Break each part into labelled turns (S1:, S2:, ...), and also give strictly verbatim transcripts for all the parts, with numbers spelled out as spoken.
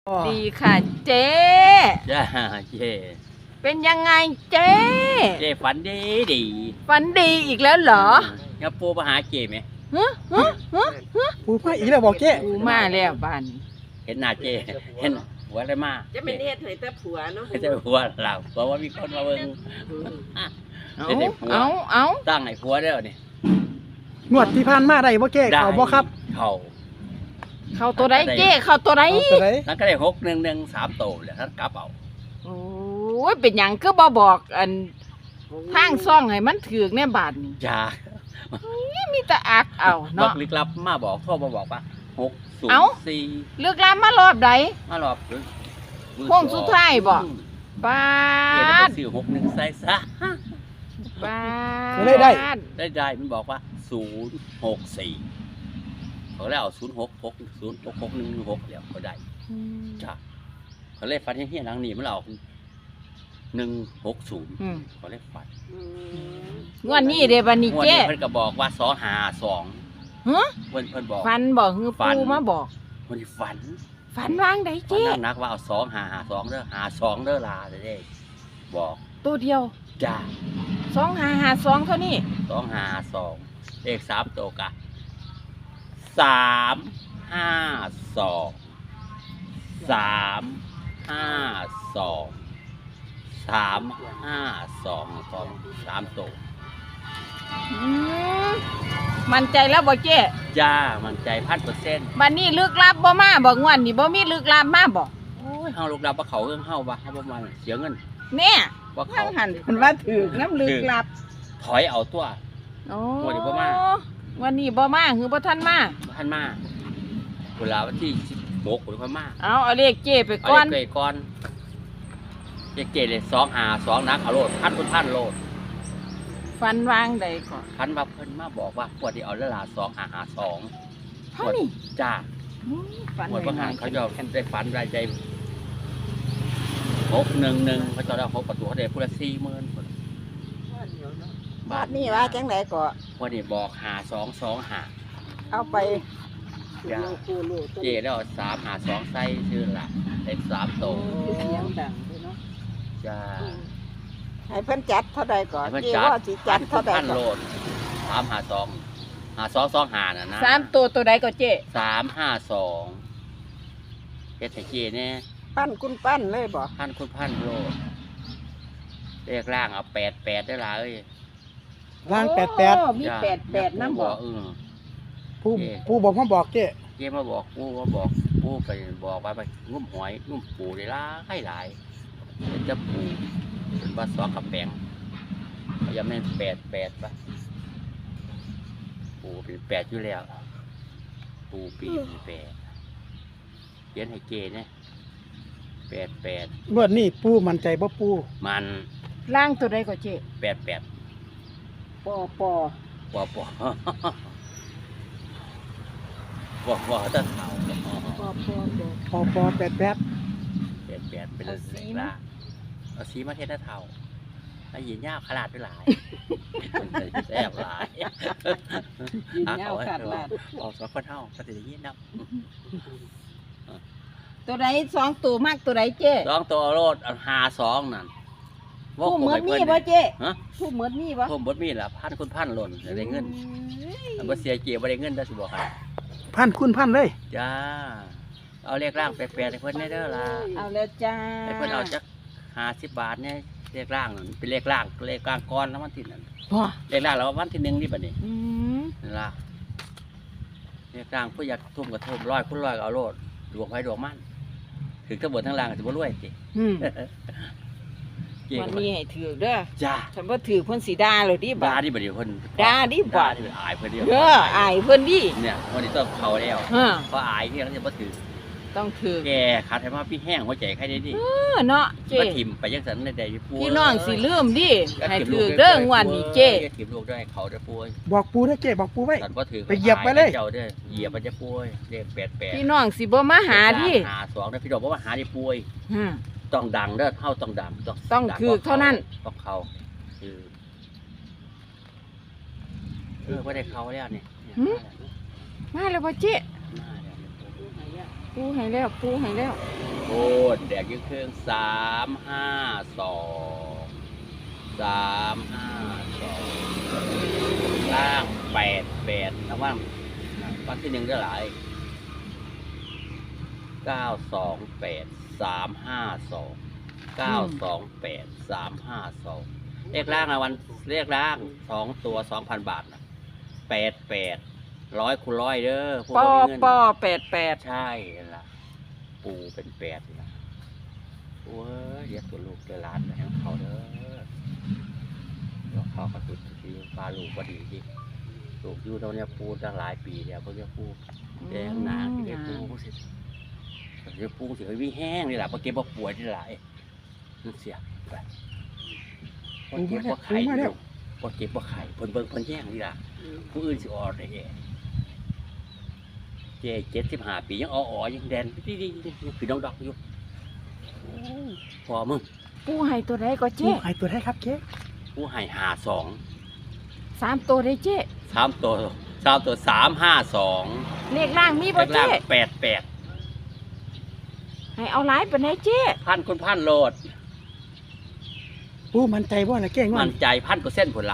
S1: ดีค่ะเจ๊
S2: จ้าเจ๊
S1: เป็นยังไงเจ๊
S2: เจ๊ฝันดีดี
S1: ฝันดีอีกแล้วเหรอ
S2: งั้นปูมาหาเจ๊ไหม
S1: ฮะฮะฮะ
S3: ปูมาอีกแล้วบอกเจ๊
S1: กูมาแล้วบ้าน
S2: เห็นหน้าเจ๊เห็นหัวอะไรมา
S4: จะเป็นเฮ็ดให้แต่ผัวเนาะ
S2: ไม่ใช่หัวเราเพราะว่ามีคนมาเบิ่ง
S1: เอา
S2: เห็นไอ้ผัว
S1: เอาเอา
S2: ตั้งไอ้ผัวเด้อนี่
S3: งวดที่ผ่านมาได้บ่เจ๊เขาบ่ครับ
S2: เขา
S1: เข้าตัวใดเจ๊เข้าตัวใด
S3: เอาตัวไหน
S2: นั่นก็ได้หกหนึ่งหนึ่งสามโตเลยท่านกลับเอา
S1: โอ้ยเป็นหยังก็บ่บอกอันทางซ่องให้มันถือกในบาทนี่
S2: จ้า
S1: มีแต่อักเอา
S2: บั
S1: เนาะ
S2: กลึกลับมาบอกโทรมาบอกว่าหกศูน
S1: เอ้า
S2: ย์สี่
S1: เลือกลามมารอบใด
S2: มาหลอก
S1: โค้งสุดท้ายบ่ บ้า
S2: เจ๊จะ
S1: น
S2: ไปซื้อหกหนึ่งใส่ซะ
S1: บ้าน
S3: ได้ได้
S2: ได้ได้มันบอกว่าศูนย์หกสี่เขาเลยเอาศูนย์หกหกศูนย์หกหกหนึ่งหกเดี๋ยวเขาได้
S1: อืม
S2: จ้าเขาเลยฟันเฮี้ยนๆหลังนี้มันเอาหนึ่งหกศูนย์
S1: อืม
S2: เขาเลยฟัน
S4: อืม
S1: งวดนี้เด้บัดนี้
S2: งวด
S1: เจ๊
S2: นี้เพิ่นก็บอกว่าสองหาสอง
S1: ฮะ
S2: เพิ่นเพิ่นบอก
S1: ฝันบอกคือ
S2: ฝัน
S1: ปูมาบอก
S2: คนที่ฝัน
S1: ฝันวางใด
S2: ฝัน
S1: เจ๊
S2: นักๆว่าเอาสองหาหาสองเด้อหาสองเด้อลาเด้อบอก
S1: ตัวเดียว
S2: จ้า
S1: สองหาหาสองเท่านี้
S2: สองหาสองเลขสามตัวกะสามห้าสองสามห้าสองสามห้าสองสองสามตัว
S1: อืมมั่นใจแล้วบ่เจ๊
S2: จ้ามันใจพันเปอร์เซ็นต์
S1: บัดนี้ลึกลับบ่มาบ่งวนนี่บ่มีลึกลับมาบ่
S2: โอ้ยเฮาลูกดับว่าเขาเรื่องเฮาว่าเฮาประมาณเสียเงิน
S1: เนี่ย
S2: ว่า
S1: ทา
S2: เขา
S1: งหันเพิ่นว่าถูกน้ำลึกลับ
S2: ถอยเอาตัว
S1: โอ้
S2: วันนี้บ่มา
S1: วันนี้บ่มาคือบ่ทันมา
S2: บ่ทันมาเวลาวันที่สิบหกหรือค่อยมา
S1: เอาเอาเลขเจ๊ไป
S2: เอา
S1: ก่อน
S2: เลขเกยก่อนเลขเกยเลยสองหาสองนักเอาโลดพันคุณพันโลด
S1: ฝันวางใดก่อน
S2: พันว่าเพิ่นมาบอกว่าปวดที่เอาเวลาสองหาหาสอง
S1: เท่านี้
S2: จ้า
S1: อืมฝัน
S2: หมดประหาร
S1: ไว้
S2: เขาจะได้ฝันรายใจหกหนึ่งหนึ่งเขาจะได้หกประตูเขาได้พูดละสี่หมื่น
S4: บาทนี่ว่าจังไดก็
S2: วันนี้บอกหาสองสองหา
S4: เอาไป
S2: จ้าเจ๊แล้วสามหาสองไส้ชื่อละได้สามโต
S4: เสียงดังด้วยเนาะ
S2: จ้า
S4: ให้เพิ่นจัดเท่าใดก่อน
S2: ให้เพิ่น
S4: เจ๊
S2: จัด
S4: ว่าสิจัดเท่าใด
S2: พัน
S4: ก่
S2: โล
S4: อน
S2: ดสามหาสองหาสองสองหาน่ะนะ
S1: สามตัวตัวใดก็เจ๊
S2: สามห้าสองเฮ็ดให้เจ๊เนี่ย
S4: ปั้นคุณปั้นเลยบ่
S2: พันคุณพันโลดเลขล่างเอาแปดแปดได้ละเอ้ย
S3: ล่างแปดแปด
S1: โอ้มี
S2: จ้ะ
S1: แปดแปดนำบ่
S2: เออ
S3: ผู้ผู้บอกมาบอกเจ๊
S2: เจ๊มาบอกกูมาบอกกูไปบอกว่าไปงุ้มหอยงุ้มปูได้หลายหลายเป็นจะปูเป็นว่าสองกับแปงเขายังไม่นแปดแปดปะปูเป็นแปดอยู่แล้ว ปูปีเป็นแปดเขียนให้เจ๊เนี่ยแปดแปด
S3: งวดนี้ปูมั่นใจบ่ปู
S2: มัน
S1: ล่างตัวใดก็เจ๊
S2: แปดแปด
S1: ปอปอ
S2: ปอปอปอปอตะเข่า
S1: ปอปอ
S3: พอพอแปดแปด
S2: แปดแปดเป็นเล็กละเอาสีมาเทศเท่าไอ้หยินยาวขนาดไปหลายแซ่บหลาย
S1: ยินยาวขาดลาด
S2: ออกสองคนเท่าก็จะได้ยินนะ
S1: ตัวใดสองตัวมากตัวใดเจ๊
S2: สองตัวโรดหาสองนั่น
S1: ผู้เหมือนมีบ่เจ๊
S2: ฮะ
S1: ผู้เหมือนมีบ่
S2: ผมบดมีละพันคุณพันหล่นได้เงินอันบ่เสียเจียบ่ได้เงินได้สิบอกให้
S3: พันคุณพันเลย
S2: จ้าเอาเลขร่างแปลกๆให้เพิ่นได้เด้อล่ะ
S1: เอาแล้วจ้า
S2: ให้เพิ่นเอาจักห้าสิบบาทเนี่ยเลขร่างนั่นเป็นเลขร่างเลขกลางก้อนแล้ววันที่นั่น
S1: บ่
S2: เลขร่างแล้ววันที่หนึ่งนี่บัดนี้
S1: อืม
S2: นั่นล่ะเลขร่างผู้อยากทุ่มกระทุ่มร้อยคุณร้อยก็เอาโลดดวงไว้ดวงมันถึงทั้งบนทั้งล่างก็สิบ่รวยจิ
S1: อืม
S2: เจ๊
S1: วัน
S2: ก็
S1: นี้ให้ถือเด้อ
S2: จ้า
S1: ฉันบ่ถือเพิ่นสิด่าเลยดิ
S2: บา
S1: บาด
S2: ดิบัดนี้เพิ่น
S1: ด่าดิบ่
S2: ด่าดิอายเพิ่นเดียว
S1: เอออายเพิ่นดิ
S2: เนี่ยวันนี้ต้องเขาแล้ว
S1: เออ
S2: เพราะอายที่เขาจะบ่ถือ
S1: ต้องถือ
S2: แกขาดให้มาพี่แห้งหัวใจใครได้ดิ
S1: เออเนาะเจ๊
S2: มาถิ่มไปยังสันได้ได้ปู
S1: พี่น้องสิลืมดิให้ถือเด้องวันนี้เจ๊
S2: อย่าถิ่มลูกได้เขาได้ปูเอ้ย
S3: บอกปูนะเจ๊บอกปูไว้
S2: สันบ่ถือ
S3: ไปเหยียบไปเลย
S2: เจ้าเด้อเหยียบมันจะปูเอ้ยเรียกแปดแปด
S1: พี่น้องสิบ่มาหาดิ
S2: หาสองนะพี่ดอกบ่มาหาดิปูเอ้ย
S1: อืม
S2: ต้องดังเด้อเท่าต้องดังต้อง
S1: ต้อง
S2: ดั
S1: ถือเท่านั้น
S2: ต้องเขาคือเออบ่ได้เขาแล้วเนี่ย
S1: หืม มาแล้วบ่เจ๊
S2: มาแล้ว
S1: ปูให้แล้วปูให้แล้ว
S2: โอ้แดกยังเครื่องสามห้าสองสามห้าสองล่างแปดแปดนะว่าวันที่หนึ่งได้หลายเก้าสองแปดสามห้าสองเก้าสองแปดสามห้าสองเลขล่างนะวันเลขล่างสองตัวสองพันบาทนะแปดแปดร้อยคูณร้อยเด้อผู้
S1: ปอ
S2: บ่มีเงิน
S1: ปอแปดแปด
S2: ใช่ล่ะปูเป็นแปดนะโอ้ยเรียกตัวลูกตัวหลานไปให้เขาเด้อแล้วเขาก็ตุดทีปลาลูกก็ดีดิลูกอยู่ตรงเนี้ยปูตั้งหลายปีแล้วเพิ่งจะปูแดงหนาที่ได้ปูสิเดี๋ยวปูสิวิ่งแห้งนี่แหละเพราะเก็บว่าป่วยที่หลายนั่นเสียไปเพราะเก็บว่าไข่ลูกเพราะเก็บว่าไข่เพิ่นเบิ่งเพิ่นแย่งนี่ล่ะผู้อื่นสิออดได้แย่เจ๊เจ็ดสิบห้าปียังอ๋อๆยังแดนดีดียังคือน้องดอกอยู่พอมึง
S1: ปูให้ตัวใดก็
S3: ปู
S1: เจ๊
S3: ให้ตัวได้ครับเจ๊
S2: ผู้ให้หาสอง
S1: สามตัวได้เจ๊
S2: สามตัวสามตัวสามห้าสอง
S1: เลขล่างมี
S2: เล
S1: บ่
S2: ขล่า
S1: เจ๊
S2: งแปดแปด
S1: ให้เอาหลายปานใดเจ๊
S2: พันคนพันโหลด
S3: ปูมั่นใจบ่ล่ะเจ๊งว
S2: มั
S3: ด
S2: นใจพันเปอร์เซ็นต์ผลละ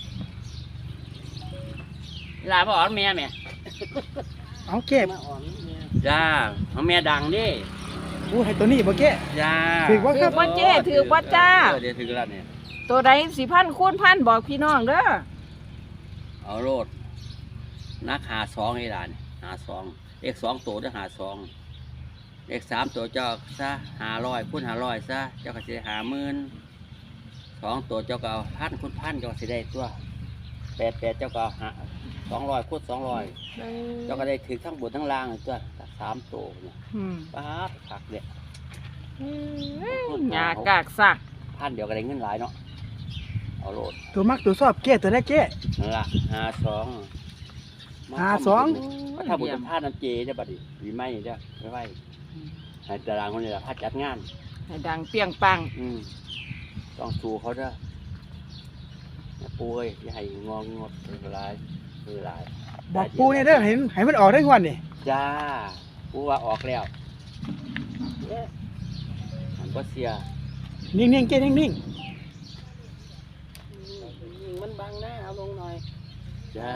S2: ลาพ่ออ๋อแม่แม่
S3: เอาเจ๊
S4: มาอ่อนเนี่ย
S2: จ้าเอาแม่ดังดิ
S3: ปูให้ตัวนี้บ่เจ๊
S2: จ้า
S3: ถือว่า
S1: ถือบ่เจ๊ถือบ่จ้า
S2: เออเดี๋ยวถึงแล้วเนี่ย
S1: ตัวใดสิพันคูณพันบอกพี่น้องเด้อ
S2: เอาโลดนักหาสองไอ้หลานหาสองเลขสองตัวจะหาสองเลขสามตัวเจ้าซะหาร้อยคูณหาร้อยซะเจ้าก็จะหาหมื่นสองตัวเจ้าก็เอาพันคูณพันเจ้าก็สิได้ตัวแปดแปดเจ้าก็เอาหาสองร้อยคูณสองร้อยเจ้าก็ได้ถือทั้งบนทั้งล่างเลยตัวสามตัวเนี่ย
S1: อืม
S2: ป๊าบผักเนี่ย
S1: หญ้ากากสัก
S2: พันเดียวก็ได้เงินหลายเนาะเอาโลด
S3: ตัวมักตัวชอบเจ๊ตัวได้เจ๊
S2: นั่นละหาสอง
S3: หาสอง
S2: ก็ถ้าบุญพาดน้ำเจได้อบัดนี้วีไม่เด้อไม่ไหวให้ตารางคนนี้ละพาดจัดงาน
S1: ให้ดังเปรียงปัง
S2: อืมต้องสู้เขาเด้ออย่าป่วยอย่าให้งองงดเป็นไรเป็นไร
S3: บอกปูเนี่ยเด้อเห็นให้มันออกได้งวดนี่
S2: จ้าปูว่าออกแล้วมันก็เสีย
S3: นิ่งๆเจ๊นิ่ง
S4: ยิงมันบังหน้าเอาลงหน่อย
S2: จ้า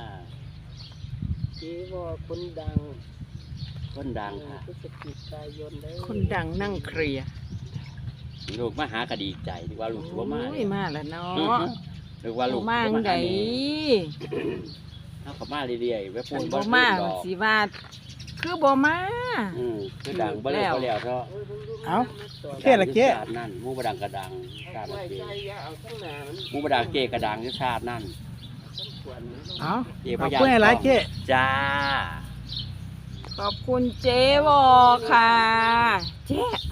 S4: จีว่าคนดัง
S2: คนดังค่ะ
S4: พฤศจิกายนเด้อ
S1: คนดังนั่งเคลียร์
S2: ลูกมาหากระดีใจดีกว่าลูกสิบ่มา
S1: โอ้ยมาแล้วเนา
S2: อื้อะ หือหรือว่าลูก
S1: บ่มา
S2: สิ
S1: จัง
S2: บ่
S1: ได
S2: หาแม่เอาเขามาเรื่อยๆไว้พู
S1: คั
S2: ด
S1: น
S2: บ่
S1: บ่
S2: ซื้
S1: มา
S2: อดอก
S1: สิว่าคือบ่มา
S2: อืมคือดังบ่แล้วบ่แล้วเนาะ
S3: ๆเอาเจ๊ละเจ๊
S2: ชาตินั่นหมูบดังกระดังชาติ
S4: ไว้
S2: เจ
S4: ใจอย่าเอาทั้งหนามัน
S2: หมูบดังเจกระดังที่ชาตินั่น
S4: ต้องควรมัน
S3: เอา
S2: เจ
S3: ข
S2: พ
S3: อบ
S2: ญา
S3: คุณหลายๆเจ๊
S2: จ้า
S1: ขอบคุณเจ๊วอค่ะ เจ๊